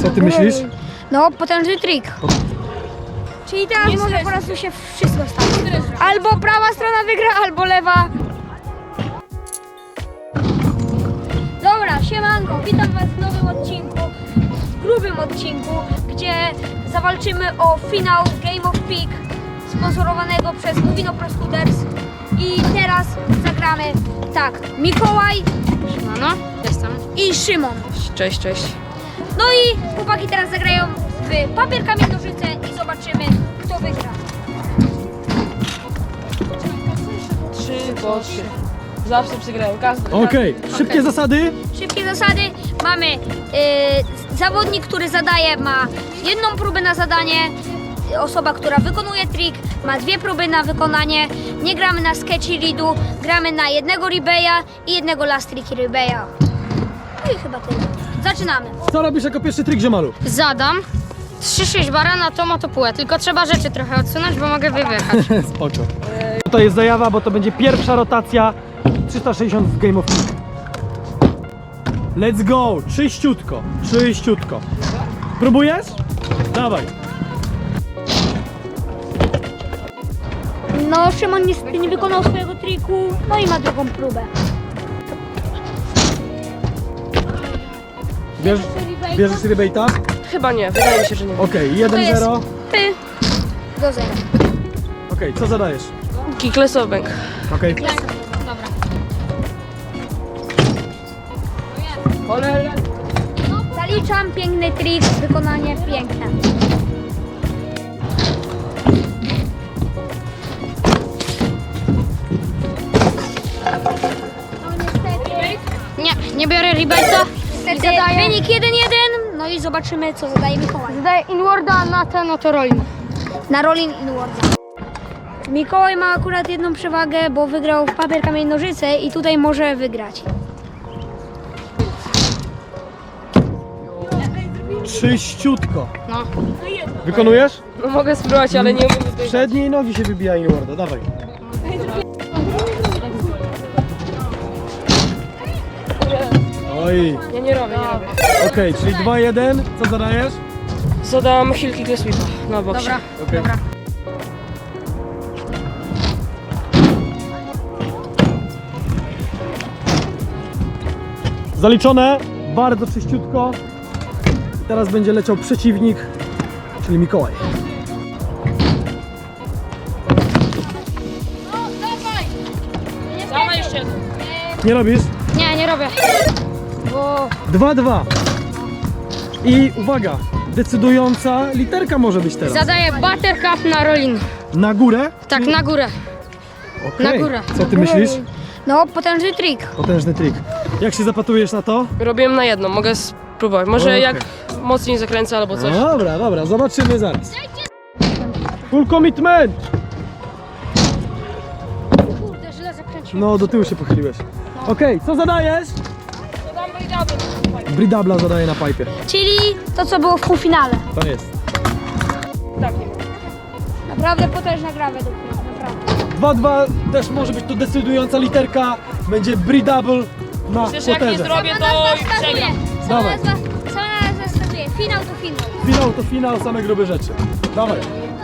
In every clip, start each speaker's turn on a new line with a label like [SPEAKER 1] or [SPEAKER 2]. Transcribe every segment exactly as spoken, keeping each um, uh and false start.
[SPEAKER 1] Co ty myślisz?
[SPEAKER 2] No, potężny trik. Czyli teraz
[SPEAKER 3] Nie
[SPEAKER 2] może
[SPEAKER 3] stresuj
[SPEAKER 2] po prostu się wszystko stać. Albo prawa strona wygra, albo lewa. Dobra, siemanko, witam was w nowym odcinku, w grubym odcinku, gdzie zawalczymy o finał Game of Peak sponsorowanego przez Nowino Pro Scooters. I teraz zagramy tak, Mikołaj
[SPEAKER 3] No, jestem.
[SPEAKER 2] i Szymon.
[SPEAKER 3] Cześć, cześć.
[SPEAKER 2] No i chłopaki teraz zagrają w papier, kamień, nożyce i zobaczymy, kto wygra.
[SPEAKER 3] Trzy po trzy. Zawsze przegrają, każdy.
[SPEAKER 1] Okej, szybkie zasady.
[SPEAKER 2] Szybkie zasady. Mamy yy, zawodnik, który zadaje, ma jedną próbę na zadanie. Osoba, która wykonuje trik, ma dwie próby na wykonanie. Nie gramy na sketchy readu, gramy na jednego rebeya i jednego last trick rebeya. No i chyba tyle. Zaczynamy.
[SPEAKER 1] Co robisz jako pierwszy trik, ziomalu?
[SPEAKER 4] Zadam trzy sześć bara na to motopułę, tylko trzeba rzeczy trochę odsunąć, bo mogę wyjechać.
[SPEAKER 1] Spoko. To jest zajawa, bo to będzie pierwsza rotacja trzysta sześćdziesiąt w Game of Peak. Let's go! Czyściutko, czyściutko. Próbujesz? Dawaj.
[SPEAKER 2] No, Szymon niestety nie wykonał swojego triku, no i ma drugą próbę.
[SPEAKER 1] Bierzesz, bierzesz rebate'a?
[SPEAKER 3] Chyba nie, wydaje mi się, że nie.
[SPEAKER 1] Okej,
[SPEAKER 2] To
[SPEAKER 1] jeden
[SPEAKER 2] jest
[SPEAKER 1] zero.
[SPEAKER 2] Ty do zera.
[SPEAKER 1] Okej, co zadajesz?
[SPEAKER 3] Kickless obank.
[SPEAKER 1] Okej.
[SPEAKER 4] Dobra.
[SPEAKER 2] Zaliczam, piękny trik, wykonanie piękne. No niestety,
[SPEAKER 4] Nie, nie biorę rebate'a.
[SPEAKER 2] niestety
[SPEAKER 4] Zadaję.
[SPEAKER 2] wynik jeden jeden, no i zobaczymy, co zadaje Mikołaj.
[SPEAKER 4] Zadaję inwarda na ten oto rolling.
[SPEAKER 2] Na Rolling Inwarda. Mikołaj ma akurat jedną przewagę, bo wygrał w papier, kamień, nożyce i tutaj może wygrać.
[SPEAKER 1] Czyściutko.
[SPEAKER 4] No.
[SPEAKER 1] Wykonujesz?
[SPEAKER 3] No mogę spróbować, ale nie umiem wybiegać.
[SPEAKER 1] Przedniej nogi się wybija inwarda, dawaj. Oj,
[SPEAKER 3] Ja nie robię, nie robię.
[SPEAKER 1] okej, czyli dwa jeden. Co zadajesz?
[SPEAKER 3] Zadam heel kickless whipa na boksie.
[SPEAKER 4] Dobra,
[SPEAKER 1] Okej.
[SPEAKER 4] dobra.
[SPEAKER 1] Zaliczone, bardzo czyściutko. Teraz będzie leciał przeciwnik, czyli Mikołaj.
[SPEAKER 3] Dawaj jeszcze jeden.
[SPEAKER 1] Nie robisz?
[SPEAKER 4] Nie, nie robię. Bo
[SPEAKER 1] dwa dwa. I uwaga, decydująca literka może być teraz.
[SPEAKER 4] zadaję buttercup na rolling.
[SPEAKER 1] Na górę?
[SPEAKER 4] Tak, na górę.
[SPEAKER 1] Okej.
[SPEAKER 4] Na górę.
[SPEAKER 1] Co ty myślisz?
[SPEAKER 2] No, potężny trik.
[SPEAKER 1] Potężny trik. Jak się zapatrujesz na to?
[SPEAKER 3] Robiłem na jedną, mogę spróbować. Może
[SPEAKER 1] Okej.
[SPEAKER 3] jak mocniej zakręcę albo coś.
[SPEAKER 1] Dobra, dobra, zobaczymy zaraz. Full commitment!
[SPEAKER 4] Kurde, źle zakręciłem.
[SPEAKER 1] No, do tyłu się pochyliłeś. Okej, co zadajesz?
[SPEAKER 3] Zadam breedable.
[SPEAKER 1] Bridabla zadaje na pipe.
[SPEAKER 2] Czyli to, co było w półfinale.
[SPEAKER 1] To jest.
[SPEAKER 3] Tak, nie wiem.
[SPEAKER 2] Naprawdę potężna gra według mnie, naprawdę.
[SPEAKER 1] dwa dwa też może być to decydująca literka. Będzie bridable na
[SPEAKER 3] Przecież jak nie
[SPEAKER 1] potężę.
[SPEAKER 3] zrobię,
[SPEAKER 2] Sama
[SPEAKER 3] to
[SPEAKER 2] nazwa wskazuje.
[SPEAKER 3] przegram.
[SPEAKER 2] Sama
[SPEAKER 1] Dawaj.
[SPEAKER 2] nazwa, sama nazwa wskazuje. Finał to finał.
[SPEAKER 1] Finał to finał, same grube rzeczy. Dawaj.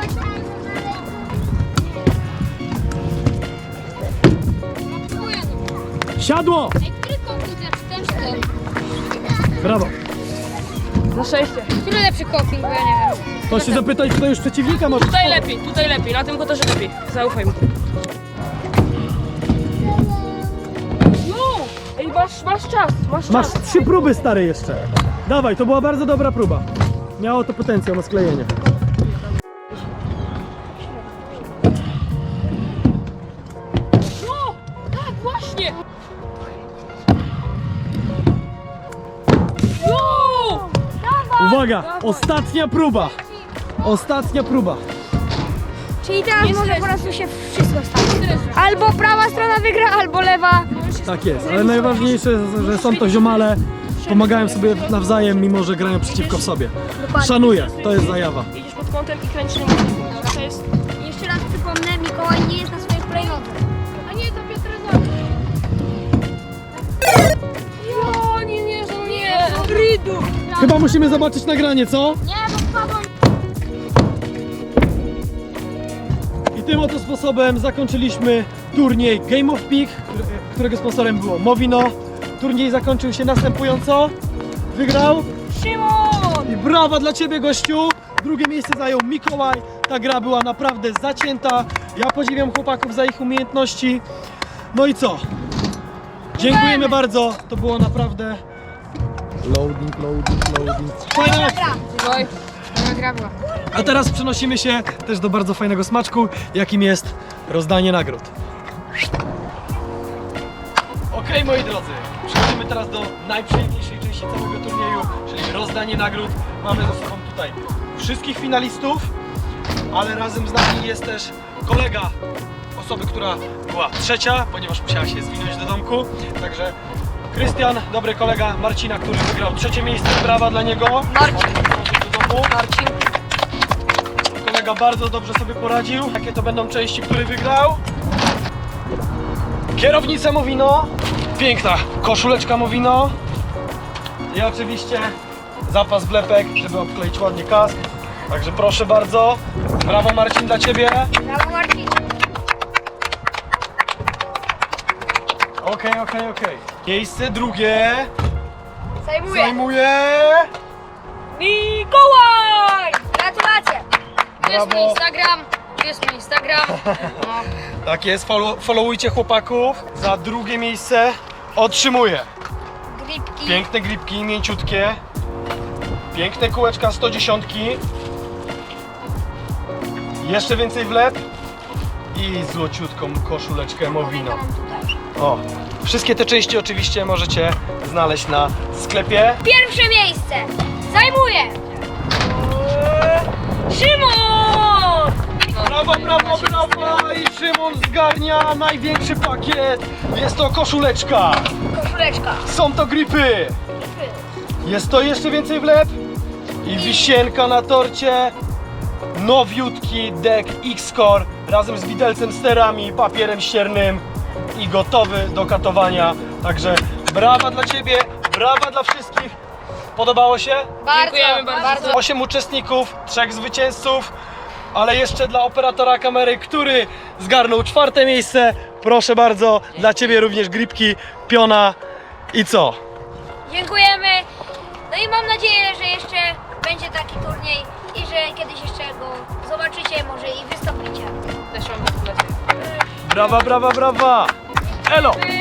[SPEAKER 1] Siadło!
[SPEAKER 4] Ej, który komputer, czy ten, czy ten?
[SPEAKER 1] Brawo.
[SPEAKER 3] Na szczęście.
[SPEAKER 4] Który lepszy coping, bo ja nie wiem.
[SPEAKER 1] To się zapytaj, kto już przeciwnika może.
[SPEAKER 3] Tutaj lepiej, tutaj lepiej, na tym kotorze lepiej. Zaufaj mi. No! Ej, masz, masz czas, masz
[SPEAKER 1] Masz
[SPEAKER 3] czas.
[SPEAKER 1] trzy próby, stary, jeszcze. Dawaj, to była bardzo dobra próba. Miało to potencjał na sklejenie.
[SPEAKER 3] No! Tak, właśnie! No!
[SPEAKER 1] Uwaga, ostatnia próba. Ostatnia próba.
[SPEAKER 2] Czyli teraz może po prostu się wszystko stać. Albo prawa strona wygra, albo lewa.
[SPEAKER 1] Tak jest, ale najważniejsze, że są to ziomale. Pomagają sobie nawzajem, mimo że grają przeciwko sobie. Szanuję, to jest zajawa.
[SPEAKER 3] Idziesz pod kątem i kręcisz na mocy. To jest...
[SPEAKER 2] Jeszcze raz przypomnę, Mikołaj nie jest na swojej hulajnodze.
[SPEAKER 3] A nie, to Piotr Zon. Jo, nie wierzę, nie! Idu!
[SPEAKER 1] Chyba musimy zobaczyć nagranie, co?
[SPEAKER 2] Nie, bo spadłem.
[SPEAKER 1] I tym oto sposobem zakończyliśmy turniej Game of Peak, który- którego sponsorem było Movino. Turniej zakończył się następująco. Wygrał
[SPEAKER 3] Szymon!
[SPEAKER 1] i brawa dla Ciebie, gościu! Drugie miejsce zajął Mikołaj. Ta gra była naprawdę zacięta. Ja podziwiam chłopaków za ich umiejętności. No i co? Dziękujemy bardzo. To było naprawdę loading, loading, loading. Fajna akcja.
[SPEAKER 3] Oj,
[SPEAKER 4] Dobra gra była.
[SPEAKER 1] A teraz przenosimy się też do bardzo fajnego smaczku, jakim jest rozdanie nagród. Okej, moi drodzy, przechodzimy teraz do najprzyjemniejszej części całego turnieju, czyli rozdanie nagród. Mamy ze sobą tutaj wszystkich finalistów, ale razem z nami jest też kolega osoby, która była trzecia, ponieważ musiała się zwinąć do domku. Także Krystian, dobry kolega Marcina, który wygrał trzecie miejsce, brawa dla niego.
[SPEAKER 3] Marcin.
[SPEAKER 1] Do domu.
[SPEAKER 3] Marcin.
[SPEAKER 1] Kolega bardzo dobrze sobie poradził. Jakie to będą części, który wygrał? Kierownica Movino. Piękna koszuleczka Movino. I oczywiście zapas wlepek, żeby obkleić ładnie kask. Także proszę bardzo. Brawo Marcin dla Ciebie.
[SPEAKER 2] Brawo, Marcin.
[SPEAKER 1] Okej, okej, okej. Miejsce drugie
[SPEAKER 2] Zajmuję.
[SPEAKER 1] zajmuje...
[SPEAKER 3] Mikołaj!
[SPEAKER 2] Gratulacje.
[SPEAKER 4] Tu jest mój
[SPEAKER 1] Brawo.
[SPEAKER 4] Instagram. Tu jest mój Instagram. No.
[SPEAKER 1] Tak jest, follow, followujcie chłopaków. Za drugie miejsce otrzymuje
[SPEAKER 2] Gripki.
[SPEAKER 1] piękne gripki, mięciutkie. Piękne kółeczka sto dziesięć. Jeszcze więcej wlep. I złociutką koszuleczkę Movino.
[SPEAKER 2] Mam tutaj.
[SPEAKER 1] O, wszystkie te części oczywiście możecie znaleźć na sklepie.
[SPEAKER 2] Pierwsze miejsce zajmuje Szymon!
[SPEAKER 1] Brawo, brawo, brawo! I Szymon zgarnia największy pakiet. Jest to koszuleczka.
[SPEAKER 2] Koszuleczka.
[SPEAKER 1] Są to gripy. Jest to jeszcze więcej wlep. I wisienka na torcie. Nowiutki deck X-Core razem z widelcem, sterami, papierem ściernym i gotowy do katowania. Także brawa dla Ciebie, brawa dla wszystkich. Podobało się?
[SPEAKER 3] Dziękujemy bardzo.
[SPEAKER 1] Osiem uczestników, trzech zwycięzców, ale jeszcze dla operatora kamery, który zgarnął czwarte miejsce. Proszę bardzo, dla Ciebie również gripki, piona i co?
[SPEAKER 2] Dziękujemy. No i mam nadzieję, że jeszcze będzie taki turniej i że kiedyś jeszcze go zobaczycie, może i wystąpicie.
[SPEAKER 3] Też mam gratulacje.
[SPEAKER 1] Brawa, brawa, brawa! Elo!
[SPEAKER 2] Yy,